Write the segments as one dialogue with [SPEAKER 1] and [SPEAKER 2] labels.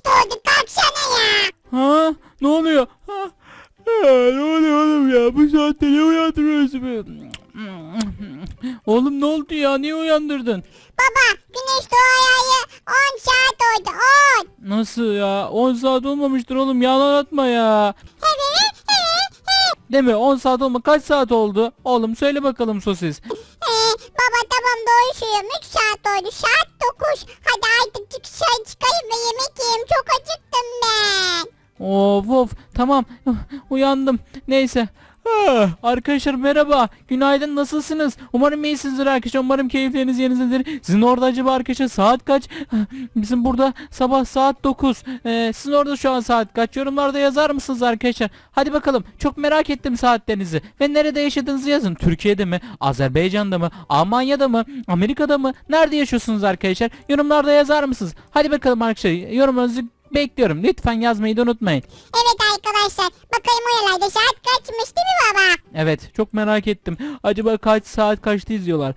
[SPEAKER 1] doğdu kalksana ya.
[SPEAKER 2] Ha? Ne oluyor? Ha? Ne oluyor oğlum ya? Bu saatte niye uyandırıyorsun beni? Oğlum ne oldu ya? Niye uyandırdın?
[SPEAKER 1] Baba güneş doğayalı 10 saat oldu 10.
[SPEAKER 2] Nasıl ya? 10 saat olmamıştır oğlum. Yalan atma ya. Değil mi? 10 saat olma. Kaç saat oldu? Oğlum söyle bakalım sosis.
[SPEAKER 1] Baba tamam doğru söylüyorum 3 saat oldu saat 9. Hadi artık dışarı çıkayım ve yemek yiyeyim çok acıktım ben.
[SPEAKER 2] Of of. Tamam. Uyandım. Neyse. Arkadaşlar merhaba. Günaydın, nasılsınız? Umarım iyisinizdir arkadaşlar. Umarım keyifleriniz yerindedir. Sizin orada acaba arkadaşlar saat kaç? Bizim burada sabah saat 9. Sizin orada şu an saat kaç? Yorumlarda yazar mısınız arkadaşlar? Hadi bakalım. Çok merak ettim saatlerinizi. Ve nerede yaşadığınızı yazın. Türkiye'de mi? Azerbaycan'da mı? Almanya'da mı? Amerika'da mı? Nerede yaşıyorsunuz arkadaşlar? Yorumlarda yazar mısınız? Hadi bakalım arkadaşlar. Yorumlarınızı bekliyorum. Lütfen yazmayı da unutmayın.
[SPEAKER 1] Evet arkadaşlar bakayım oralarda saat kaçmış değil mi baba?
[SPEAKER 2] Evet, çok merak ettim. Acaba kaç saat kaçta izliyorlar?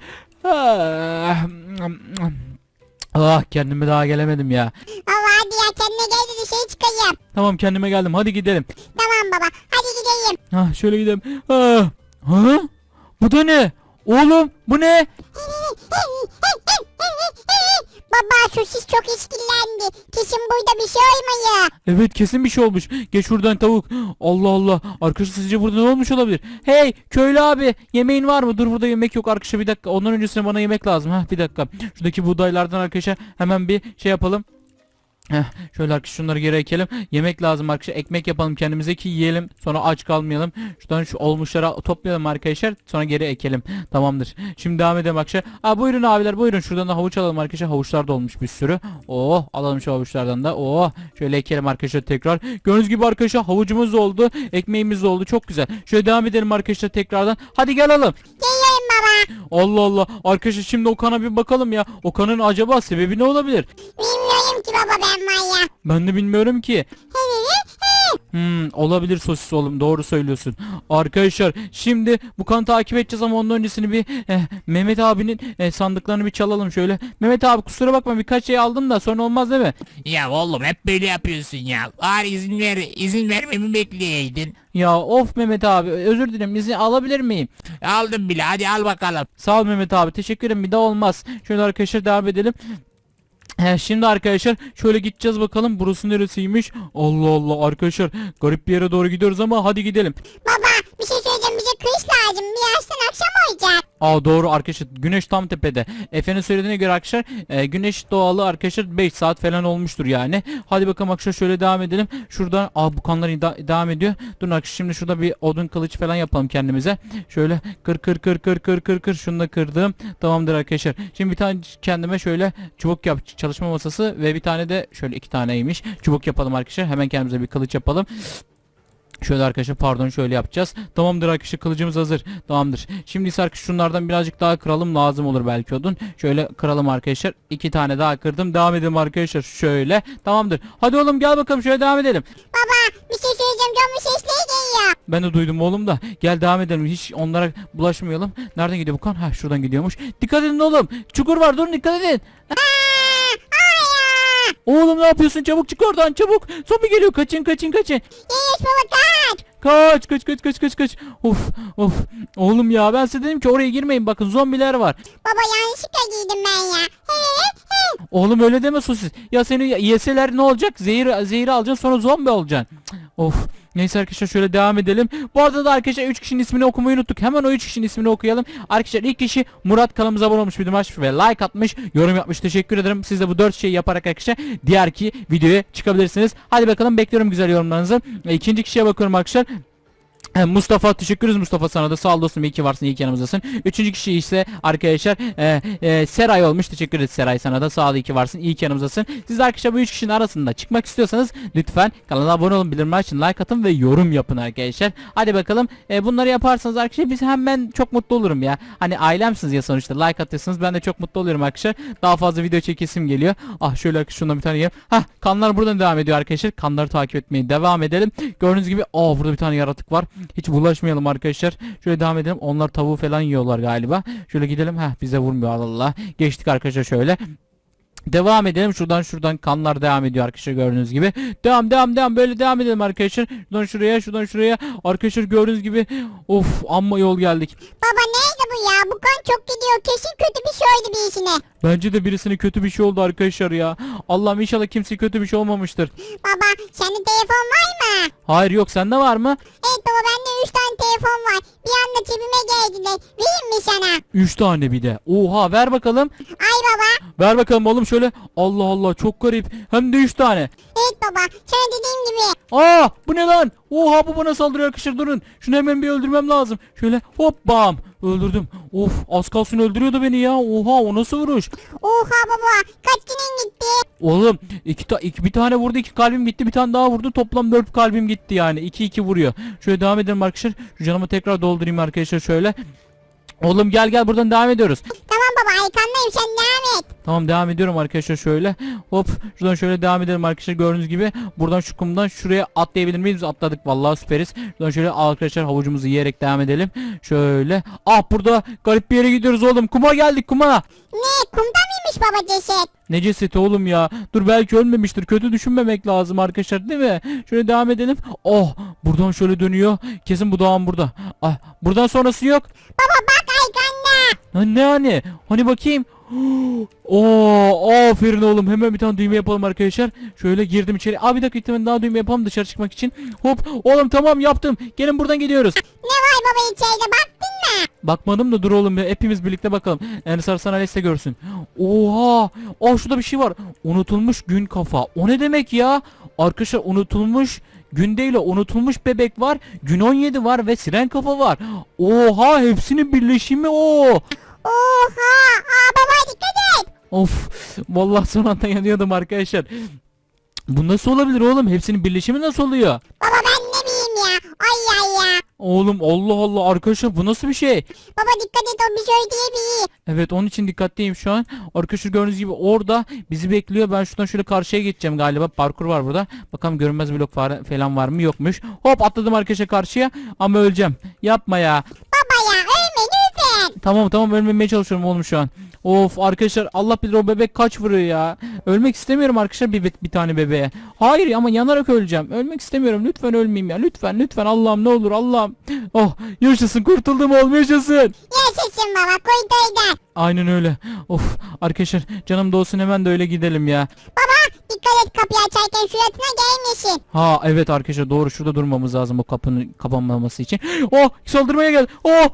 [SPEAKER 2] Kendime daha gelemedim ya.
[SPEAKER 1] Baba hadi ya kendine gel de dışarı çıkayım.
[SPEAKER 2] Tamam, kendime geldim. Hadi gidelim.
[SPEAKER 1] Tamam baba hadi gidelim.
[SPEAKER 2] Şöyle gidelim. Ha? Bu da ne? Oğlum bu ne?
[SPEAKER 1] Baba sosis çok işkillendi. Kesin burada bir şey olmuyor.
[SPEAKER 2] Evet, kesin bir şey olmuş. Geç şuradan tavuk. Allah Allah. Arkadaşlar sizce burada ne olmuş olabilir? Hey köylü abi, yemeğin var mı? Dur, burada yemek yok arkadaşlar, bir dakika. Ondan öncesine bana yemek lazım. Bir dakika. Şuradaki buğdaylardan arkadaşlar hemen bir şey yapalım. Şöyle arkadaşlar şunları geri ekelim. Yemek lazım arkadaşlar. Ekmek yapalım kendimize ki yiyelim. Sonra aç kalmayalım. Şuradan şu olmuşları toplayalım arkadaşlar. Sonra geri ekelim. Tamamdır. Şimdi devam edelim arkadaşlar. Buyurun abiler buyurun. Şuradan da havuç alalım arkadaşlar. Havuçlar da olmuş bir sürü. Oh, alalım şu havuçlardan da. Oh, şöyle ekelim arkadaşlar tekrar. Gördüğünüz gibi arkadaşlar havucumuz da oldu. Ekmeğimiz de oldu. Çok güzel. Şöyle devam edelim arkadaşlar tekrardan. Hadi gel alalım.
[SPEAKER 1] Geliyorum baba.
[SPEAKER 2] Allah Allah. Arkadaşlar şimdi Okan'a bir bakalım ya. Okan'ın acaba sebebi ne olabilir?
[SPEAKER 1] Bilmiyorum ki baba ben var ya.
[SPEAKER 2] Ben de bilmiyorum ki. Olabilir sosis oğlum, doğru söylüyorsun. Arkadaşlar şimdi bu kanı takip edeceğiz ama ondan öncesini bir Mehmet abinin sandıklarını bir çalalım şöyle. Mehmet abi kusura bakma, birkaç şey aldım da sonra olmaz değil mi?
[SPEAKER 3] Ya oğlum hep böyle yapıyorsun ya. Bari izin vermemi bekleyeydin.
[SPEAKER 2] Ya of Mehmet abi, özür dilerim, izni alabilir miyim?
[SPEAKER 3] Aldım bile, hadi al bakalım.
[SPEAKER 2] Sağ ol Mehmet abi, teşekkür ederim, bir daha olmaz. Şöyle arkadaşlar devam edelim. Şimdi arkadaşlar şöyle gideceğiz bakalım, burası neresiymiş? Allah Allah arkadaşlar, garip bir yere doğru gidiyoruz ama hadi gidelim.
[SPEAKER 1] Baba bir şey söyleyeceğim bize kış lazım. Birazdan akşam olacak.
[SPEAKER 2] Doğru arkadaşlar, güneş tam tepede. Efe'nin söylediğine göre arkadaşlar güneş doğalı arkadaşlar 5 saat falan olmuştur yani. Hadi bakalım arkadaşlar şöyle devam edelim. Şuradan bu kanlar devam ediyor. Durun arkadaşlar, şimdi şurada bir odun kılıç falan yapalım kendimize. Şöyle kır şunu da kırdım. Tamamdır arkadaşlar. Şimdi bir tane kendime şöyle çubuk çalışma masası ve bir tane de şöyle 2 taneymiş. Çubuk yapalım arkadaşlar. Hemen kendimize bir kılıç yapalım. Şöyle arkadaşlar pardon, şöyle yapacağız. Tamamdır arkadaşlar, kılıcımız hazır. Tamamdır. Şimdi ise arkadaşlar şunlardan birazcık daha kıralım, lazım olur belki odun. Şöyle kıralım arkadaşlar. 2 tane daha kırdım. Devam edelim arkadaşlar şöyle. Tamamdır. Hadi oğlum gel bakalım, şöyle devam edelim.
[SPEAKER 1] Baba bir şey söyleyeceğim canım sesleri geliyor.
[SPEAKER 2] Ben de duydum oğlum da. Gel devam edelim. Hiç onlara bulaşmayalım. Nereden gidiyor bu kan? Şuradan gidiyormuş. Dikkat edin oğlum. Çukur var, durun, dikkat edin. Oğlum ne yapıyorsun? Çabuk çık oradan, çabuk. Zombi geliyor. Kaçın.
[SPEAKER 1] Yes baba kaç.
[SPEAKER 2] Kaç. Of. Oğlum ya, ben size dedim ki oraya girmeyin, bakın zombiler var.
[SPEAKER 1] Baba yanlışlıkla giydim ben ya.
[SPEAKER 2] Oğlum öyle deme sosis. Ya seni yeseler ne olacak? Zehir alacaksın, sonra zombi olacaksın. Of. Neyse arkadaşlar şöyle devam edelim. Bu arada da arkadaşlar 3 kişinin ismini okumayı unuttuk. Hemen o 3 kişinin ismini okuyalım. Arkadaşlar ilk kişi Murat, kanalımıza abone olmuş, bildirim açmış ve like atmış, yorum yapmış. Teşekkür ederim. Siz de bu 4 şeyi yaparak arkadaşlar diğer ki videoya çıkabilirsiniz. Hadi bakalım, bekliyorum güzel yorumlarınızı. İkinci kişiye bakıyorum arkadaşlar. Mustafa, teşekkür ederiz Mustafa, sana da sağ ol dostum, iyi ki varsın, iyi ki yanımızdasın. Üçüncü kişi ise arkadaşlar Seray olmuş, teşekkür ederiz Seray, sana da sağ ol, iyi ki varsın, iyi ki yanımızdasın. Siz de arkadaşlar bu üç kişinin arasında çıkmak istiyorsanız lütfen kanala abone olun, bildirimler açın, like atın ve yorum yapın arkadaşlar. Hadi bakalım, bunları yaparsanız arkadaşlar biz ben çok mutlu olurum ya. Hani ailemsiniz ya sonuçta, like atıyorsunuz, ben de çok mutlu oluyorum arkadaşlar. Daha fazla video çekesim geliyor. Şöyle arkadaşlar şundan bir tane yiyeyim. Kanlar buradan devam ediyor arkadaşlar. Kanları takip etmeye devam edelim. Gördüğünüz gibi burada bir tane yaratık var. Hiç bulaşmayalım arkadaşlar. Şöyle devam edelim. Onlar tavuğu falan yiyorlar galiba. Şöyle gidelim. Bize vurmuyor, Allah. Geçtik arkadaşlar şöyle. Devam edelim. Şuradan kanlar devam ediyor arkadaşlar, gördüğünüz gibi. Devam böyle devam edelim arkadaşlar. Şuradan şuraya. Arkadaşlar gördüğünüz gibi. Of, amma yol geldik.
[SPEAKER 1] Baba neydi bu ya? Bu kan çok gidiyor. Kesin kötü bir şey oldu birisine.
[SPEAKER 2] Bence de birisine kötü bir şey oldu arkadaşlar ya. Allah'ım inşallah kimseye kötü bir şey olmamıştır.
[SPEAKER 1] Baba sende telefon var mı?
[SPEAKER 2] Hayır, yok, sende var mı?
[SPEAKER 1] Evet baba bende 3 tane telefon var. Bir anda cebime geldiler. Vereyim mi sana?
[SPEAKER 2] 3 tane bir de. Oha, ver bakalım.
[SPEAKER 1] Ay baba.
[SPEAKER 2] Ver bakalım oğlum şöyle. Allah Allah, çok garip. Hem de 3 tane.
[SPEAKER 1] Evet baba. Sana dediğim gibi.
[SPEAKER 2] Aa, bu ne lan? Oha, bu bana saldırıyor arkadaşlar, durun. Şunu hemen bir öldürmem lazım. Şöyle hop bam. Öldürdüm. Of, az kalsın öldürüyordu beni ya. Oha, o nasıl vuruş?
[SPEAKER 1] Oha baba. Kaç günün gitti?
[SPEAKER 2] Oğlum bir tane vurdu, 2 kalbim gitti, bir tane daha vurdu, toplam 4 kalbim gitti yani. 2 vuruyor. Şöyle devam edelim arkadaşlar. Şu canımı tekrar doldurayım arkadaşlar şöyle. Oğlum gel buradan devam ediyoruz.
[SPEAKER 1] Tamam baba arkandayım sen devam et.
[SPEAKER 2] Tamam, devam ediyorum arkadaşlar şöyle. Hop, şuradan şöyle devam edelim arkadaşlar, gördüğünüz gibi. Buradan şu kumdan şuraya atlayabilir miyiz? Atladık vallahi, süperiz. Şuradan şöyle arkadaşlar havucumuzu yiyerek devam edelim. Şöyle. Ah, burada garip bir yere gidiyoruz oğlum. Kuma geldik, kuma.
[SPEAKER 1] Ne kumda mıymış baba ceset?
[SPEAKER 2] Ne cesedi oğlum ya? Dur, belki ölmemiştir. Kötü düşünmemek lazım arkadaşlar, değil mi? Şöyle devam edelim. Oh, buradan şöyle dönüyor. Kesin bu dağın burada. Ah, buradan sonrası yok.
[SPEAKER 1] Baba bak arkanda.
[SPEAKER 2] Ne hani? Hani bakayım. Oo, aferin oğlum. Hemen bir tane düğme yapalım arkadaşlar. Şöyle girdim içeri. Abi bir dakika, bir tane daha düğme yapalım dışarı çıkmak için. Hop, oğlum tamam, yaptım. Gelin, buradan gidiyoruz.
[SPEAKER 1] Ne var baba içeride baktın mı?
[SPEAKER 2] Bakmadım da dur oğlum ya. Hepimiz birlikte bakalım. Ensar sana liste görsün. Oha. Oh, şurada bir şey var. Unutulmuş gün kafa. O ne demek ya? Arkadaşlar, unutulmuş gün değil o. Unutulmuş bebek var. Gün 17 var ve siren kafa var. Oha, hepsinin birleşimi o.
[SPEAKER 1] Oha. Aa baba dikkat et.
[SPEAKER 2] Of. Vallahi son anda yanıyordum arkadaşlar. Bu nasıl olabilir oğlum? Hepsinin birleşimi nasıl oluyor?
[SPEAKER 1] Baba ben ne bileyim ya. Ay ay ya.
[SPEAKER 2] Oğlum Allah Allah arkadaşlar, bu nasıl bir şey?
[SPEAKER 1] Baba dikkat et o bir şey diyebilir.
[SPEAKER 2] Evet, onun için dikkatliyim şu an. Arkadaşlar gördüğünüz gibi orada bizi bekliyor. Ben şuradan şöyle karşıya geçeceğim galiba. Parkur var burada. Bakalım görünmez blok falan var mı? Yokmuş. Hop, atladım arkadaşlar karşıya. Ama öleceğim. Yapma ya.
[SPEAKER 1] Baba ya ölme lütfen.
[SPEAKER 2] Tamam, ölmemeye çalışıyorum oğlum şu an. Of arkadaşlar, Allah bilir o bebek kaç vuruyor ya. Ölmek istemiyorum arkadaşlar bir tane bebeğe. Hayır, ama yanarak öleceğim. Ölmek istemiyorum. Lütfen ölmeyeyim ya. Lütfen Allah'ım, ne olur Allah'ım. Oh, yaşasın, kurtuldum oğlum, yaşasın.
[SPEAKER 1] Yaşasın baba koydaydan.
[SPEAKER 2] Aynen öyle. Of arkadaşlar, canım da olsun, hemen de öyle gidelim ya.
[SPEAKER 1] Baba dikkat et kapıyı açarken suratına gelmesin.
[SPEAKER 2] Ha evet arkadaşlar, doğru, şurada durmamız lazım o kapının kapanmaması için. Oh, saldırmaya gel.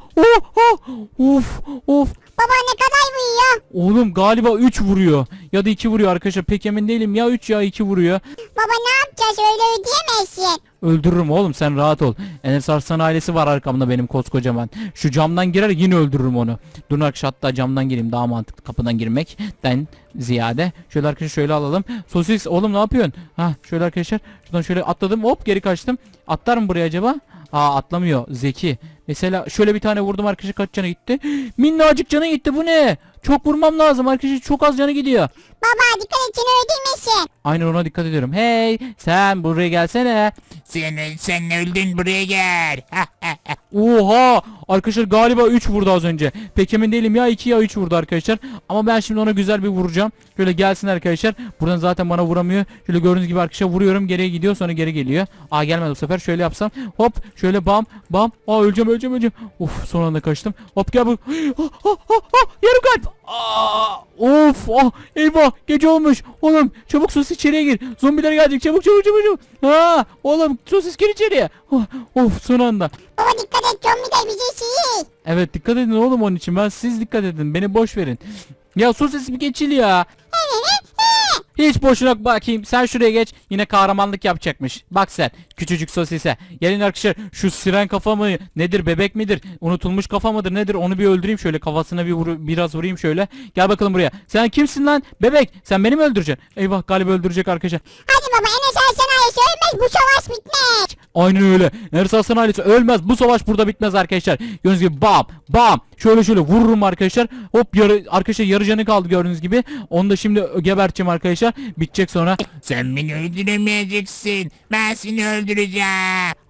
[SPEAKER 2] Of.
[SPEAKER 1] Baba ne kadar vuruyor?
[SPEAKER 2] Oğlum galiba 3 vuruyor. Ya da 2 vuruyor arkadaşlar, pek emin değilim. Ya 3 ya 2 vuruyor.
[SPEAKER 1] Baba ne yapacağız öyle ödeyemezsin.
[SPEAKER 2] Öldürürüm oğlum, sen rahat ol. Enes Arslan ailesi var arkamda benim koskocaman. Şu camdan girer, yine öldürürüm onu. Durun arkadaşlar, hatta camdan gireyim, daha mantıklı kapıdan girmekten ziyade. Şöyle arkadaşlar şöyle alalım. Sosis oğlum, ne yapıyorsun? Ha şöyle arkadaşlar, şuradan şöyle atladım, hop geri kaçtım. Atlar mı buraya acaba? Aa, atlamıyor, zeki. Mesela şöyle bir tane vurdum arkadaşlar, kaç canı gitti? Minnacık canı gitti, bu ne? Çok vurmam lazım arkadaşlar, çok az canı gidiyor.
[SPEAKER 1] Baba dikkat et seni öldürmesin.
[SPEAKER 2] Aynen, ona dikkat ediyorum. Hey sen buraya gelsene.
[SPEAKER 3] Sen öldün, buraya gel.
[SPEAKER 2] Oha arkadaşlar, galiba 3 vurdu az önce. Pek emin değilim, ya 2 ya 3 vurdu arkadaşlar. Ama ben şimdi ona güzel bir vuracağım. Şöyle gelsin arkadaşlar. Buradan zaten bana vuramıyor. Şöyle gördüğünüz gibi arkadaşlar vuruyorum, geriye gidiyor, sonra geri geliyor. Aa, gelmedi bu sefer. Şöyle yapsam, hop şöyle bam. Aa, öleceğim. Of, son anda kaçtım. Hop gel bu. Yarım kalp. Of, eyvah, gece olmuş. Oğlum çabuk sus, içeriye gir. Zombiler gelecek, çabuk. Ha oğlum, sus, gir içeriye. Of, son anda.
[SPEAKER 1] Baba dikkat et zombi de bizi şey.
[SPEAKER 2] Evet, dikkat edin oğlum onun için. Siz dikkat edin. Beni boş verin. Ya sus, sesi bir geçil ya. Hiç boşuna bakayım. Sen şuraya geç. Yine kahramanlık yapacakmış. Bak sen küçücük sosise. Gelin arkadaşlar, şu siren kafa mı nedir, bebek midir, unutulmuş kafa mıdır nedir, onu bir öldüreyim şöyle, kafasına biraz vurayım şöyle. Gel bakalım buraya. Sen kimsin lan bebek? Sen beni mi öldüreceksin? Eyvah, galiba öldürecek arkadaşlar.
[SPEAKER 1] Hadi baba Enes Arslan ailesi ölmez bu savaş bitmez.
[SPEAKER 2] Aynen öyle. Enes Arslan ailesi ölmez. Bu savaş burada bitmez arkadaşlar. Gördüğünüz gibi bam. Şöyle vururum arkadaşlar. Hop, arkadaşlar yarı canı kaldı gördüğünüz gibi. Onu da şimdi geberteceğim arkadaşlar. Bitecek sonra.
[SPEAKER 3] Sen beni öldüremeyeceksin. Ben seni öldüreceğim.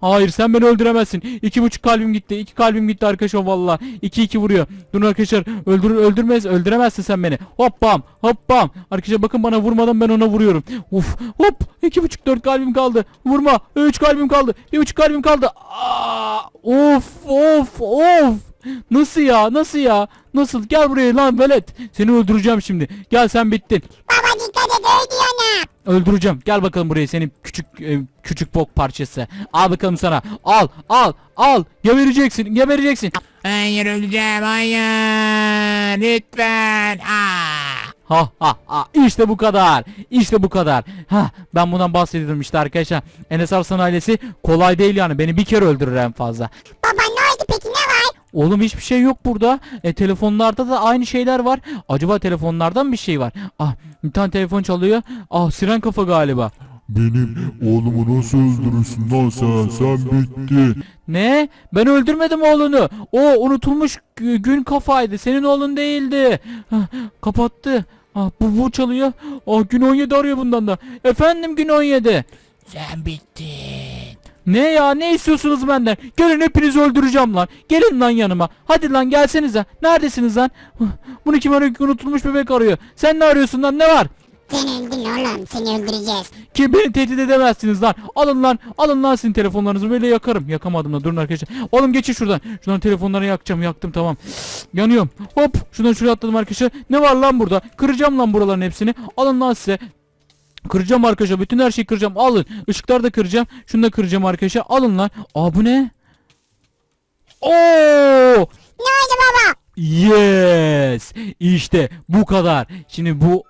[SPEAKER 2] Hayır sen beni öldüremezsin. 2,5 kalbim gitti. 2 kalbim gitti arkadaşlar valla. 2 vuruyor. Durun arkadaşlar. Öldüremezsin sen beni. Hop bam. Hop bam. Arkadaşlar bakın bana vurmadan ben ona vuruyorum. Uf. Hop. 2,5 4 kalbim kaldı. Vurma. 3 kalbim kaldı. 1,5 kalbim kaldı. Aa, of. Nasıl ya? Nasıl ya? Nasıl? Gel buraya lan velet. Seni öldüreceğim şimdi. Gel sen bittin.
[SPEAKER 1] Baba dikkat et öldü yana.
[SPEAKER 2] Öldüreceğim. Gel bakalım buraya senin küçük bok parçası. Al bakalım sana. Al. Gebereceksin.
[SPEAKER 3] Hayır öleceğim hayır. Lütfen.
[SPEAKER 2] Ha. İşte bu kadar. Ha, ben bundan bahsediyordum işte arkadaşlar. Enes Arslan ailesi kolay değil yani. Beni bir kere öldürür en fazla.
[SPEAKER 1] Baba ne oldu peki ne var?
[SPEAKER 2] Oğlum hiçbir şey yok burada. Telefonlarda da aynı şeyler var. Acaba telefonlardan bir şey var. Ah, bir tane telefon çalıyor. Ah, siren kafa galiba.
[SPEAKER 4] Benim oğlumu nasıl öldürürsün lan sen? Sen bittin.
[SPEAKER 2] Ne? Ben öldürmedim oğlunu. O unutulmuş gün kafaydı. Senin oğlun değildi. Ah, kapattı. Ah, bu çalıyor. Ah, gün 17 arıyor bundan da. Efendim gün 17.
[SPEAKER 3] Sen bittin.
[SPEAKER 2] Ne ya? Ne istiyorsunuz benden? Gelin hepinizi öldüreceğim lan. Gelin lan yanıma. Hadi lan gelsenize. Neredesiniz lan? Bunu kim arıyor? Unutulmuş bebek arıyor. Sen ne arıyorsun lan? Ne var?
[SPEAKER 1] Sen öldün oğlum seni öldüreceğiz.
[SPEAKER 2] Ki beni tehdit edemezsiniz lan. Alın lan sizin telefonlarınızı böyle yakarım. Yakamadım da durun arkadaşlar. Oğlum geçin şuradan. Şuradan telefonları yakacağım. Yaktım tamam. Yanıyorum. Hop şuradan şuraya atladım arkadaşlar. Ne var lan burada? Kıracağım lan buraların hepsini. Alın lan size. Kıracağım arkadaşlar. Bütün her şeyi kıracağım. Alın. Işıkları da kıracağım. Şunu da kıracağım arkadaşlar. Alın lan. Aa bu ne? Oo!
[SPEAKER 1] Ne oldu baba?
[SPEAKER 2] Yes. İşte bu kadar. Şimdi bu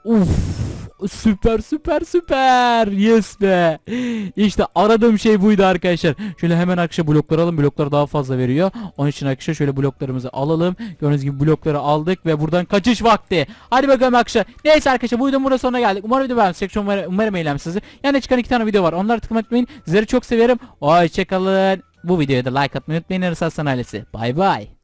[SPEAKER 2] süper. Yes be. İşte aradığım şey buydu arkadaşlar. Şöyle hemen arkadaşlar blokları alalım. Bloklar daha fazla veriyor. Onun için arkadaşlar şöyle bloklarımızı alalım. Gördüğünüz gibi blokları aldık ve buradan kaçış vakti. Hadi bakalım arkadaşlar. Neyse arkadaşlar bu videonun burada sonuna geldik. Umarım video beğenmişsiniz. Umarım eğlenmişsinizdir. Yani çıkan 2 tane video var. Onları tıklamayı unutmayın. Sizleri çok severim. Hoşçakalın. Bu videoya da like atmayı unutmayın. Enes Arslan ailesi. Bay bay.